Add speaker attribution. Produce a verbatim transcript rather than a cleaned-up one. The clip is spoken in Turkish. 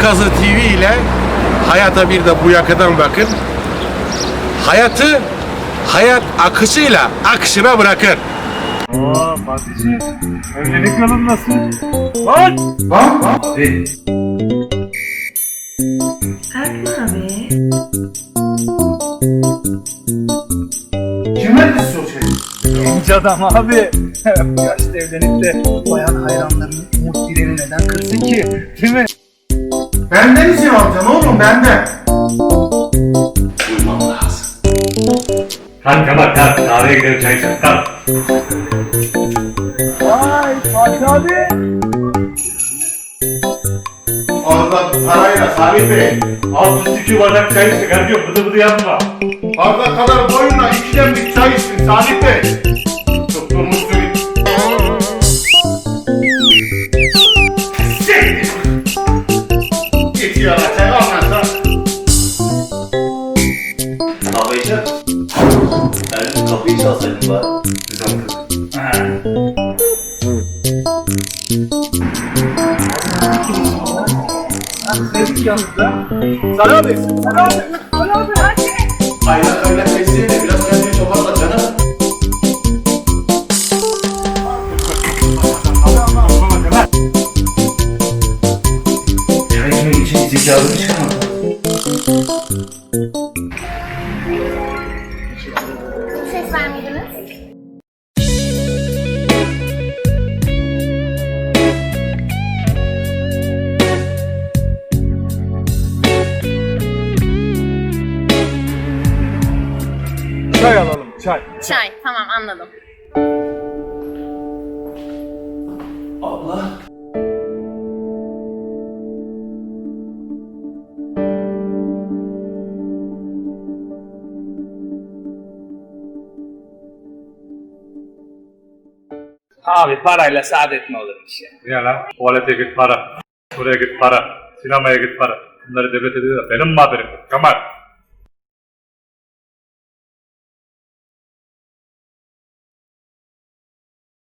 Speaker 1: Kazı T V ile hayata bir de bu yakadan bakın. Hayatı hayat akışıyla akışına bırakın.
Speaker 2: Aa Fatih'ciğim, evlilik yolun nasıl? Lan!
Speaker 1: Bak bak.
Speaker 2: Abi.
Speaker 3: Erkan abi.
Speaker 2: Kime kız o şey? Genç adam abi. Bu yaşta evlenip de bayan hayranlarının umut dileğini neden kırsın ki? Değil mi?
Speaker 1: Benden izin alacaksın oğlum, benden. Uymam lazım.
Speaker 4: Kalk Kemal kalk. Kahveye gidelim çay içelim kalk.
Speaker 2: Vay Fatih abi.
Speaker 1: Orada parayla Salih Bey.
Speaker 4: Alt üstü iki bardak çay içtik. Hadi yok bıdı bıdı yapma.
Speaker 1: Bardak kadar boyunla ikiden bir çay içtin Salih Bey. Tutturmuşsun. Siktir. Git yana çay almazsa.
Speaker 5: Kahve içer misin? Ermin kapıyı çalsaydın bari.
Speaker 2: Sevdik yanınızda. Sana abi. Sana abi. Sana abi hadi.
Speaker 5: Aynen öyle teyzeyle biraz kendini toparla canım. Çay içmek için zekalını çıkarmadın.
Speaker 6: Ses vermediniz.
Speaker 2: Çay alalım çay.
Speaker 6: Çay, tamam anladım.
Speaker 5: Abla.
Speaker 2: Abi parayla saadet mi olurmuş ya?
Speaker 4: Niye lan? Tuvalete git para. Buraya git para. Sinemaya git para. Bunları devlet ediyor da benim mi haberim yok? Kemal.